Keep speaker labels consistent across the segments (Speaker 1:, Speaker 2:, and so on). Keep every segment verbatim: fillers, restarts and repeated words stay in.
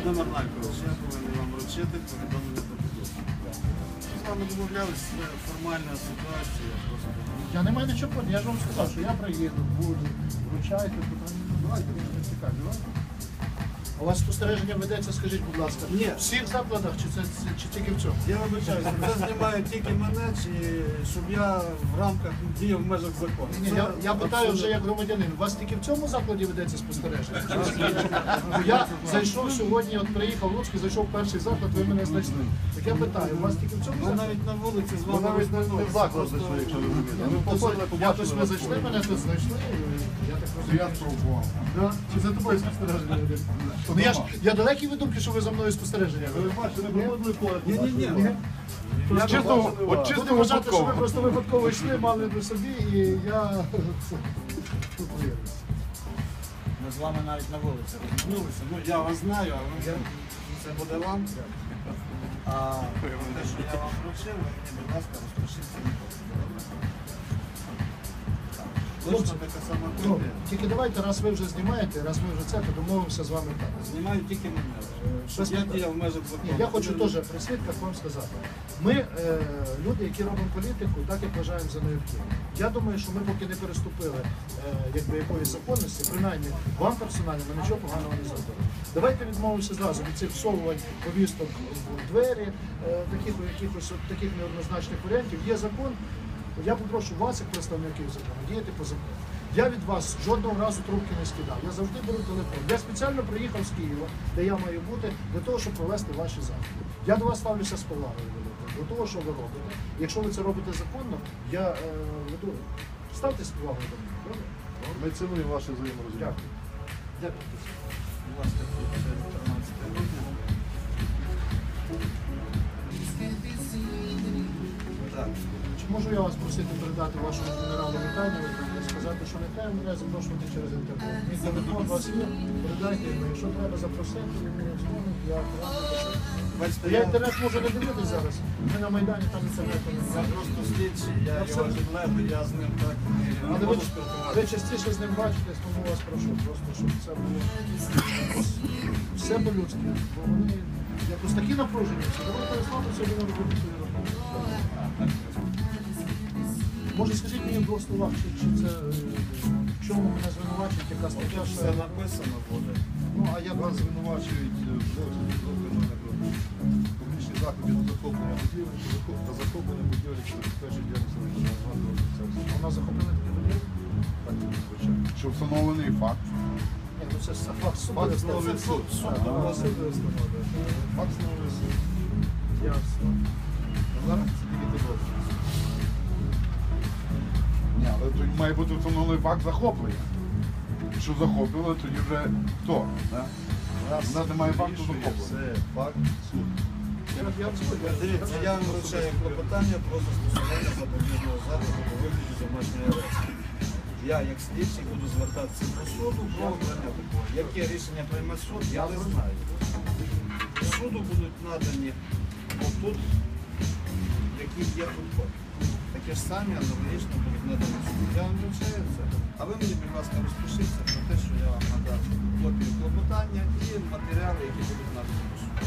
Speaker 1: Володимир Маркович, я повинен вам вручити повідомлення про підозру. З вами домовлялися, це формальна ситуація. Просто...
Speaker 2: Я не маю нічого проти, я ж вам сказав, що я приїду, буду, вручайте, питання. Давайте, не цікаві, давайте. У вас спостереження ведеться, скажіть, будь ласка,
Speaker 1: Ні.
Speaker 2: в всіх закладах чи, це, чи тільки в цьому?
Speaker 1: Я вибачаюся, це знімає тільки мене, чи щоб я в рамках діяв в межах закону.
Speaker 2: Ні, я, я питаю вже як громадянин, у вас тільки в цьому закладі ведеться спостереження? Чи в іншому? Я зайшов сьогодні, от приїхав в Луцьк, зайшов в перший заклад, ви мене знайшли. Так я питаю, у вас тільки в цьому
Speaker 1: Ми
Speaker 2: закладі?
Speaker 1: навіть на вулиці з
Speaker 3: Ми
Speaker 1: вами
Speaker 3: навіть не в заклад зайшли, якщо ви розумієте. Ми походили,
Speaker 2: Якось ви
Speaker 3: побачили.
Speaker 2: зайшли, мене тут знайшли, і я так розумію.
Speaker 3: Я спробував.
Speaker 2: Да? Чи за тобою спостереження ведеться? Ну, я, ж, я далекий від думки, що ви за мною спостереження.
Speaker 3: Ви бачите, ми проводили поряд.
Speaker 1: Ні, ні, ні.
Speaker 3: От чисто, от чисто
Speaker 2: Буду вважати, що ви
Speaker 3: випадково.
Speaker 2: просто випадково йшли, мали до собі, і я тут виявився.
Speaker 1: Ми з вами навіть на вулиці розмовилися. Ну, я вас знаю, а ви це буде вам. А те, що я вам вручив, ви мені, будь ласка, розпишіться на копію. Точно така сама
Speaker 2: Ну,
Speaker 1: копія.
Speaker 2: тільки давайте, раз ви вже знімаєте, раз ми вже це, то домовимося з вами так.
Speaker 1: Знімаю тільки мене. Щоб я діяв в межах закону.
Speaker 2: Ні, я хочу теж при свідках вам сказати. Ми, е, люди, які робимо політику, так як вважаємо за необхідне. Я думаю, що ми поки не переступили е, якби, якоїсь законності, принаймні вам персонально ми нічого поганого не зробили. Давайте відмовимося зразу від цих всовувань повісток в двері, е, таких, якихось от таких неоднозначних варіантів. Є закон. Я попрошу вас, як представників закону, діяти по закону. Я від вас жодного разу трубки не скидав. Я завжди беру телефон. Я спеціально приїхав з Києва, де я маю бути, для того, щоб провести ваші заходи. Я до вас ставлюся з повагою великою, до того, що ви робите. Якщо ви це робите законно, я е, веду. Ставте з повагою до мене. Добре?
Speaker 3: Ми цінуємо ваше взаєморозуміння.
Speaker 2: Дякую. Дякую.
Speaker 1: Будь ласка, тринадцяте грудня. Так.
Speaker 2: Чи можу я вас просити передати вашому генералу вітання і сказати, що не треба мене запрошувати через інтернет? Мій телефон у вас є, передайте йому. Якщо треба запросити, він мені дзвонить, я радий.
Speaker 1: Бачите,
Speaker 2: Я
Speaker 1: я,
Speaker 2: інтернет можу не дивитися зараз. Ми на Майдані там інтернету
Speaker 1: я
Speaker 2: немає.
Speaker 1: просто слідчий, я
Speaker 2: Я
Speaker 1: його
Speaker 2: все-
Speaker 1: підлеглий, я з ним так не
Speaker 2: Але ви,
Speaker 1: буду
Speaker 2: ви
Speaker 1: спілкуватися.
Speaker 2: частіше з ним бачитесь, тому вас прошу просто, щоб це було все по-людськи. Бо вони якось такі напружені. всі. Давайте розслабимо собі на роботу свою роботу. Може, скажіть мені в двох словах, чи, чи це е, в чому мене звинувачують, яка стаття, що
Speaker 1: Все
Speaker 2: я...
Speaker 1: написано буде.
Speaker 2: Ну, а я
Speaker 3: Вас звинувачують в злочині з органами публічні заходи до захоплення будівлі та захоплення будівлі, що забезпечує діяльність організації організації.
Speaker 2: вона захопила такі будівлі?
Speaker 3: Так, звичайно. Що встановлений факт.
Speaker 2: Ні, ну це ж факт суду.
Speaker 3: Факт
Speaker 2: Це
Speaker 3: встановлює суд.
Speaker 2: суд.
Speaker 3: А,
Speaker 2: А, суд встановлює.
Speaker 3: Факт встановлює суд.
Speaker 2: Ясно.
Speaker 3: Зараз це тільки підозра. Ні, але тут має бути встановлений факт захоплення. Якщо захопили, тоді вже хто? Да? У нас немає факту захоплення.
Speaker 1: Все, факт, суд.
Speaker 2: Я, я згоден.
Speaker 1: Дивіться, я вам вручаю клопотання про застосування запобіжного заходу у вигляді домашньої арешти. Я, як слідчий, буду звертатися до суду про обрання такого. Яке рішення прийме суд, я не знаю. Суду будуть надані отут, які є тут копії. Такі ж самі аналогічно будуть надані суду. Я вам вручаю це. А ви мені, будь ласка, розпишіться про те, що я вам надав копію клопотання і матеріали, які будуть надані до суду.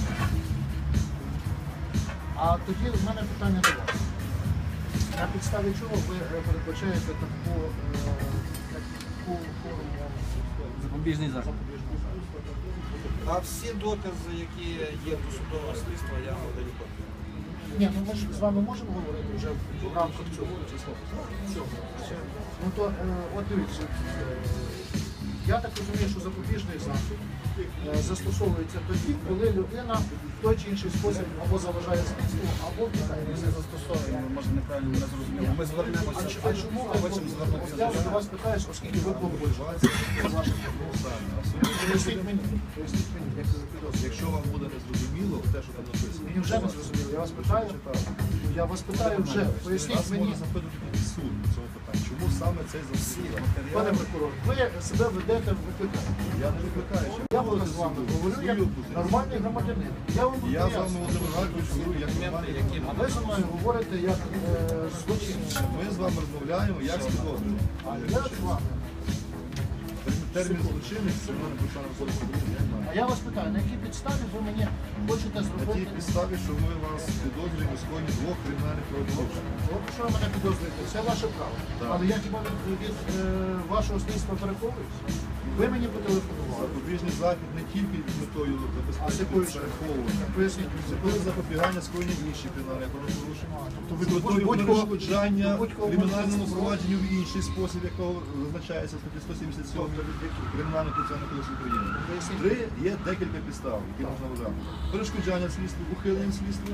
Speaker 2: А тоді в мене питання до вас. На підставі чого ви е, передбачаєте таку, е, таку форму
Speaker 4: Запобіжний захід.
Speaker 2: запобіжного заходу?
Speaker 1: А всі докази, які є до судового слідства, я вам даю копію.
Speaker 2: Ні, ну ми ж з вами можемо говорити вже в рамках цього числа. Цього. Ну то, е, от дивіться, е, я так розумію, що запобіжний захід е, застосовується тоді, коли людина в той чи інший спосіб або заважає слідству, або втікає.
Speaker 1: Ми не застосовуємо, може неправильно мене зрозуміло. Ми звернемося.
Speaker 2: А ч- а чому ви
Speaker 1: хочемо звернутися
Speaker 2: я
Speaker 1: до
Speaker 2: ж до вас питаюсь, оскільки ви побольшуєте з ваших Поясніть мені, поясніть мені, як це за підозрює.
Speaker 3: Якщо вам буде незрозуміло, те, що там написано.
Speaker 2: Мені вже не зрозуміло, я вас питаю, я вас питаю вже, поясніть
Speaker 3: Нас
Speaker 2: мені.
Speaker 3: може запитати суд в цьому питанні. Чому саме цей засідання?
Speaker 2: Пане прокурор, ви себе ведете в викликання.
Speaker 3: Я не викликаю.
Speaker 2: Я буду з вами говорю як нормальний громадянин. Я вам
Speaker 3: Я з вами,
Speaker 2: пояснюю.
Speaker 3: Володимир Гаркович, говорю, як нормальний.
Speaker 2: А ви зі мною говорите як е, злочинець.
Speaker 3: Ми з вами розмовляємо, як з підозрюваним.
Speaker 2: А я з вами.
Speaker 3: термін
Speaker 2: Секунду.
Speaker 3: злочинність, це в мене процесуальний кодекс України, я не
Speaker 2: А
Speaker 3: знаю.
Speaker 2: я вас питаю, на якій підставі ви мені хочете
Speaker 3: На тій
Speaker 2: зробити?
Speaker 3: підставі, що ми вас підозрюємо у скоєнні двох кримінальних правопорушень.
Speaker 2: От що ви мене підозрюєте, це ваше право.
Speaker 3: Так.
Speaker 2: Але я хіба від, від е, вашого слідства переховуюсь? Ви мені потелефонували.
Speaker 3: Запобіжний захід не тільки з метою
Speaker 2: А з
Speaker 3: забезпечення
Speaker 2: якою ще?
Speaker 3: переховування.
Speaker 2: Поясніть,
Speaker 3: Це коли запобігання скоєння інших кримінальних правопорушень.
Speaker 2: Тобто ви
Speaker 3: З метою
Speaker 2: будь-кого-
Speaker 3: перешкоджання
Speaker 2: будь-кого
Speaker 3: кримінальному
Speaker 2: можете
Speaker 3: провадженню в інший спосіб, якого визначається в статті сто сімдесят сім Кримінального процесуального кодексу України.
Speaker 2: Поясніть.
Speaker 3: Три є декілька підстав, які можна вважати. Перешкоджання слідства, ухилення слідства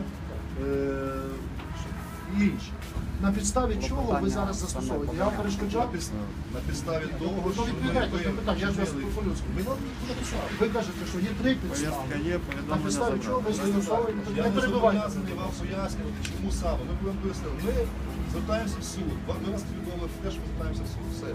Speaker 3: е- і інші.
Speaker 2: На підставі чого ви зараз застосовуєте? Я вам
Speaker 3: На
Speaker 2: перешкоджав?
Speaker 3: підставі, на підставі того,
Speaker 2: Ну,
Speaker 3: що
Speaker 2: відповідайте
Speaker 3: ми
Speaker 2: на питання, я ж вас
Speaker 3: вчинили.
Speaker 2: по-людськи.
Speaker 3: Ми вам написали.
Speaker 2: Ви кажете, що є три підстави.
Speaker 1: Повістка є,
Speaker 2: На
Speaker 1: повідомлення
Speaker 2: підставі чого ви
Speaker 1: забрали.
Speaker 2: застосовуєте?
Speaker 3: Я
Speaker 2: Не
Speaker 3: не
Speaker 2: перебивайте.
Speaker 3: зобов'язаний вам пояснювати, чому саме. Ми будемо пояснити. Ми звертаємося в суд. Вам ми вас повідомили про те, що ми звертаємося в суд. Все.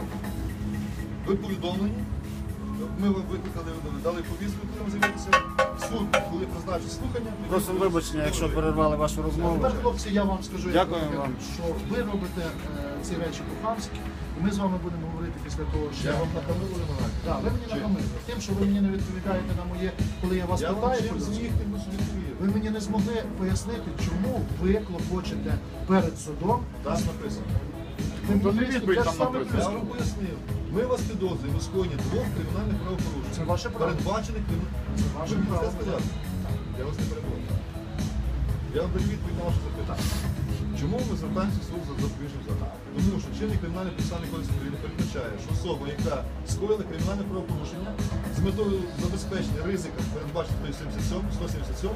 Speaker 3: Ви повідомлені. Ми вам викликали, дали повістку, коли ви з'явилися. Суд, коли призначить слухання. тоді
Speaker 1: Просимо
Speaker 3: ви-
Speaker 1: вибачення, якщо перервали вашу розмову.
Speaker 2: Тепер, хлопці, я вам скажу, як
Speaker 1: Дякую
Speaker 2: ви-
Speaker 1: вам.
Speaker 2: що ви робите е, ці речі по-хамськи, і ми з вами будемо говорити після того, що
Speaker 3: Я вам нахамив вимагаю.
Speaker 2: Да, ви мені
Speaker 3: Чи?
Speaker 2: нахамили. Тим, що ви мені не відповідаєте на моє, коли я вас
Speaker 3: Я вам
Speaker 2: питаю,
Speaker 3: чим
Speaker 2: по-людськи,
Speaker 3: зміг, тим що відповів.
Speaker 2: ви мені не змогли пояснити, чому ви клопочете перед судом.
Speaker 3: Там написано.
Speaker 2: Ви
Speaker 5: то не
Speaker 2: мені
Speaker 5: відповідь
Speaker 2: те ж
Speaker 5: там
Speaker 2: саме
Speaker 5: написано.
Speaker 3: Я
Speaker 2: пишете.
Speaker 3: вам пояснив. Ми вас підозрюємо у скоєнні двох кримінальних правопорушень.
Speaker 2: Це ваше право.
Speaker 3: Передбачених кримінальних.
Speaker 2: Це ваше
Speaker 3: Ви
Speaker 2: право.
Speaker 3: це сказали? Я вас не перебуваю. Я вам даю відповідь на ваше запитання. Чому ми звертаємося в суд за запобіжним заходом? Тому що чинний кримінальний процесуальний кодекс України передбачає, що особа, яка скоїла кримінальне правопорушення з метою забезпечення ризика, передбаченого сто сімдесят сім,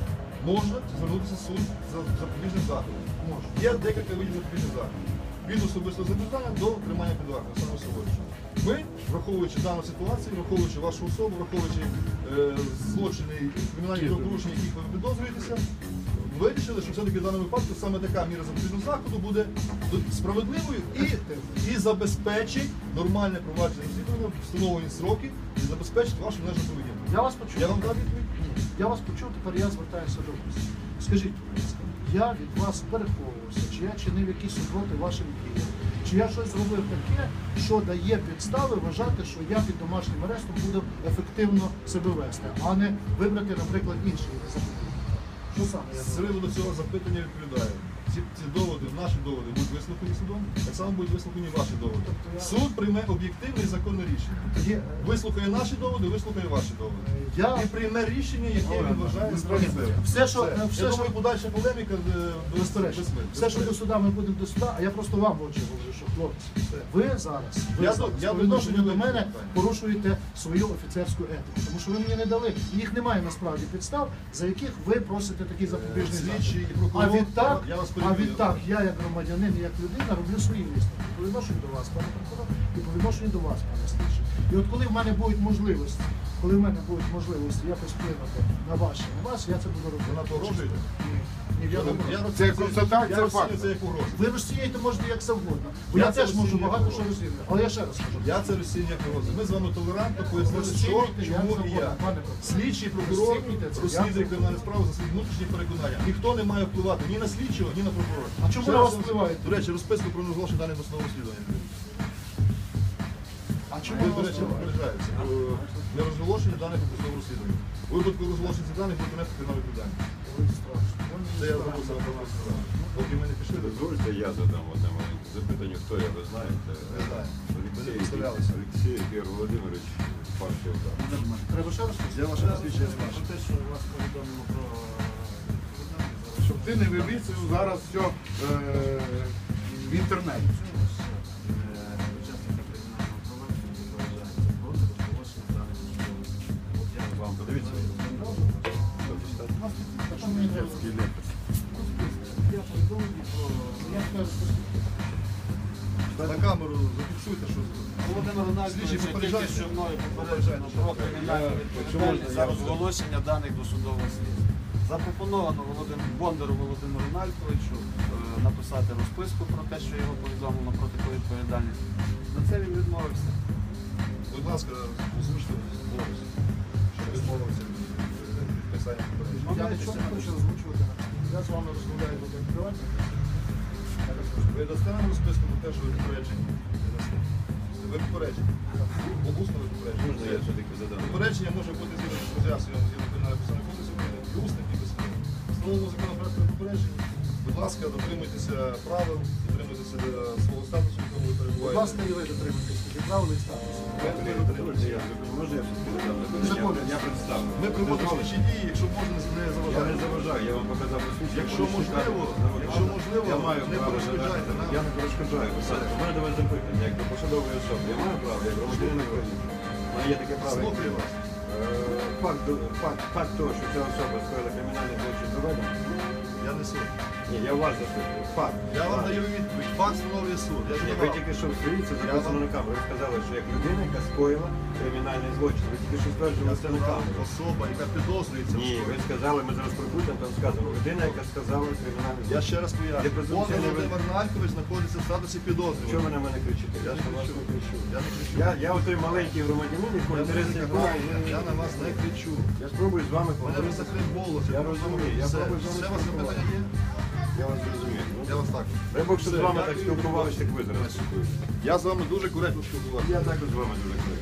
Speaker 3: може звернутися в суд за запобіжним заходом. Може. Є декілька видів запобіжних заходів. Від особистого запитання до тримання під вартою, саме собою. Ми, враховуючи дану ситуацію, враховуючи вашу особу, враховуючи е, злочини і кримінальні правопорушення, яких ви підозрюєтеся, вирішили, що все-таки в даному випадку саме така міра запобіжного заходу буде справедливою і, і забезпечить нормальне провадження розслідування, встановлені сроки і забезпечить вашу належну поведінку.
Speaker 2: Я вас почув.
Speaker 3: Я вам дав відповідь?
Speaker 2: Я вас почув, тепер я звертаюся до вас. Скажіть, будь ласка, я від вас переховувався, чи я чинив якісь супроти вашим діям, чи я щось зробив таке, що дає підстави вважати, що я під домашнім арестом буду ефективно себе вести, а не вибрати, наприклад, інший запобіжник. Що саме я
Speaker 3: З
Speaker 2: зробив?
Speaker 3: приводу цього запитання відповідаю. Ці, ці доводи, наші доводи будуть вислухані судом, так само будуть вислухані ваші доводи.
Speaker 2: Тобто я-
Speaker 3: Суд прийме об'єктивне і законне рішення.
Speaker 2: Тоді, е,
Speaker 3: Вислухає наші доводи, вислухає ваші доводи.
Speaker 2: Я
Speaker 3: І прийме рішення, яке він вважає справедливим.
Speaker 2: все, що,
Speaker 3: Все.
Speaker 2: все,
Speaker 3: Я
Speaker 2: що
Speaker 3: думаю, подальша полеміка е, без-
Speaker 2: безперечно,
Speaker 3: безсмертна.
Speaker 2: все, що до суда, ми будемо до суда, а я просто вам в очі говорю, що хлопці, ви зараз, ви
Speaker 3: Я
Speaker 2: зараз
Speaker 3: до- я
Speaker 2: по
Speaker 3: до
Speaker 2: відношенню
Speaker 3: того,
Speaker 2: до
Speaker 3: що
Speaker 2: мене
Speaker 3: ви-
Speaker 2: порушуєте свою офіцерську етику, тому що ви мені не дали, їх немає насправді підстав, за яких ви просите такий запобіжний захід.
Speaker 3: Слідчий і
Speaker 2: А
Speaker 3: прокурор,
Speaker 2: відтак,
Speaker 3: я вас
Speaker 2: а
Speaker 3: перебив.
Speaker 2: відтак, я як громадянин, і як людина роблю свої висновки по відношенню до вас, пане прокурор, і по відношенню до вас, пане слідчий. І от коли в мене будуть можливості, коли в мене будуть можливості якось вплинути на ваші, на вас, я це буду робити.
Speaker 3: Ви на то грожуєте?
Speaker 2: Ні, ні, в
Speaker 3: Я,
Speaker 2: якому
Speaker 3: я,
Speaker 2: разі.
Speaker 5: Це констатація
Speaker 3: я розцінюю
Speaker 5: факту.
Speaker 3: це як угрозу.
Speaker 2: Ви розсіяєте можете як завгодно. Бо
Speaker 3: Я
Speaker 2: я,
Speaker 3: це
Speaker 2: теж можу
Speaker 3: розцінюю
Speaker 2: багато
Speaker 3: як
Speaker 2: що
Speaker 3: угрозу.
Speaker 2: розслідувати. Але я ще раз скажу.
Speaker 3: Я це розцінюю як угрозу. Ми з вами толерантно пояснили, що,
Speaker 2: Розцінюйте, як
Speaker 3: чому і
Speaker 2: завгодно,
Speaker 3: я.
Speaker 2: пане прокурор.
Speaker 3: Слідчий прокурор
Speaker 2: Розцінюйте це, як
Speaker 3: розслідує
Speaker 2: завгодно.
Speaker 3: кримінальну справу за свої внутрішні переконання. Ніхто не має впливати ні на слідчого, ні на прокурора.
Speaker 2: А чому
Speaker 3: Ще
Speaker 2: на
Speaker 3: раз
Speaker 2: вас
Speaker 3: вам-
Speaker 2: впливають?
Speaker 3: До речі, розписку про незголошення даних до судового розслідування.
Speaker 2: А чому
Speaker 3: Ви,
Speaker 2: ви
Speaker 3: до речі, попереджаєтеся. Для розголошення даних до судового розслідування. У випадку розголошення цих даних буде понести кримінальну відповідальність. Це я забув себе про вас сказати. Поки ми не пішли до цього.
Speaker 6: Дозвольте, я задам одне маленьке запитання. Хто я, ви знаєте?
Speaker 3: Не знаю. Ви не
Speaker 6: Олексій,
Speaker 3: представлялися.
Speaker 6: Олексій Ігор Володимирович, партія «Удар».
Speaker 2: Треба ще раз
Speaker 3: Я ваше посвідчення не бачу.
Speaker 1: Про те, що вас повідомило про
Speaker 5: Щоб ти не вивісив зараз все е, в інтернеті.
Speaker 1: учасника кримінального провадження відповідається проти розголошення даних судових. От я
Speaker 6: Вам подивіться. Що читати?
Speaker 2: Що мені треба?
Speaker 6: Детський лепет.
Speaker 1: я повідомлення про
Speaker 2: Я скажу,
Speaker 3: На камеру зафіксуйте, що
Speaker 1: Володимир Рональдович,
Speaker 3: Слідчий
Speaker 1: тільки
Speaker 3: попереджайте.
Speaker 1: що мною попереджено про кримінальну відповідальність за розголошення даних до судового слідства. Запропоновано Володимиру Бондару Володимиру Нальковичу е, написати розписку про те, що його повідомлено про таку відповідальність. На це він відмовився.
Speaker 3: будь ласка, озвучте голос, щоб відмовився від підписання попередження.
Speaker 2: я нічого не хочу озвучувати. Я з вами розмовляю до приватні.
Speaker 3: Ви дасте нам розписку про те, що ви попереджені? Не дасте. Ви попереджені. Усно ви
Speaker 6: Можна я
Speaker 3: попереджені.
Speaker 6: все-таки задам?
Speaker 3: Попередження може бути згідно з роз'ясненням згідно кримінального процесуального кодексу України, і усних, і письмових. Встановлено законопроектом попередження. Будь ласка, дотримуйтеся правил, дотримуйтеся е, свого статусу, в якому ви
Speaker 2: Будь
Speaker 3: перебуваєте.
Speaker 2: ласка, і ви дотримуйтесь тоді правил і статусу.
Speaker 6: Можна я все-таки задам? Запитання? Я представлю.
Speaker 3: Ми проводимо слідчі дії, якщо можна, не
Speaker 6: Я не
Speaker 3: заважати.
Speaker 6: заважаю, я вам показав посвідчення.
Speaker 3: Якщо
Speaker 6: Можете
Speaker 3: можливо,
Speaker 6: шукати.
Speaker 3: якщо можливо,
Speaker 6: я маю
Speaker 3: не
Speaker 6: право
Speaker 3: перешкоджайте
Speaker 6: задати.
Speaker 3: нам.
Speaker 6: Я не перешкоджаю. У мене до вас запитання, як до посадової особи. Я маю право, як громадянин України. У мене є таке право. як-
Speaker 3: Слухаю вас.
Speaker 6: Е, Факт, факт, факт того, що ця особа скоїла кримінальний злочин доведено.
Speaker 3: Я не суд.
Speaker 6: Ні, я у вас запитую. Факт.
Speaker 3: Я вам
Speaker 6: Факт.
Speaker 3: даю відповідь. Факт встановлює суд. Я ж
Speaker 6: Ні,
Speaker 3: не
Speaker 6: ви
Speaker 3: вам.
Speaker 6: тільки що в свої, це записано
Speaker 3: вам-
Speaker 6: на камеру. Ви сказали, що як людина, яка скоїла кримінальний злочин. Ви тільки що стверджували
Speaker 3: Я
Speaker 6: це на
Speaker 3: сказав,
Speaker 6: камеру.
Speaker 3: особа, яка підозрюється. в
Speaker 6: Ні, ви
Speaker 3: скоєнні.
Speaker 6: сказали, ми зараз прокрутимо, там сказано, людина, яка сказала кримінальний
Speaker 3: Я
Speaker 6: злочин.
Speaker 3: ще раз
Speaker 6: Є
Speaker 3: поясню.
Speaker 6: презумпція
Speaker 3: Пан
Speaker 6: невини.
Speaker 3: Володимир Налькович знаходиться в статусі
Speaker 6: Чого
Speaker 3: підозрюваного.
Speaker 6: ви на мене кричите?
Speaker 3: Я ж
Speaker 6: на
Speaker 3: не
Speaker 6: вас
Speaker 3: кричу.
Speaker 6: не кричу.
Speaker 3: Я не кричу.
Speaker 6: Я, я отой маленький громадянин, який
Speaker 3: Я
Speaker 6: інтереси
Speaker 3: не
Speaker 6: якого
Speaker 3: кричу. Я на вас не кричу.
Speaker 6: Я спробую з вами
Speaker 3: У мене
Speaker 6: поговорити.
Speaker 3: висохне голос.
Speaker 6: Я розумію, я
Speaker 3: Все.
Speaker 6: пробую з вами
Speaker 3: Ще вас запитання є?
Speaker 6: Я вас зрозумію.
Speaker 3: Я вас так.
Speaker 6: Дай Бог, щоб з
Speaker 3: Все,
Speaker 6: вами так
Speaker 3: дякую.
Speaker 6: спілкувалися, як ви зараз спілкуєтеся.
Speaker 3: Я з вами дуже коректно спілкувався.
Speaker 6: Я також з вами дуже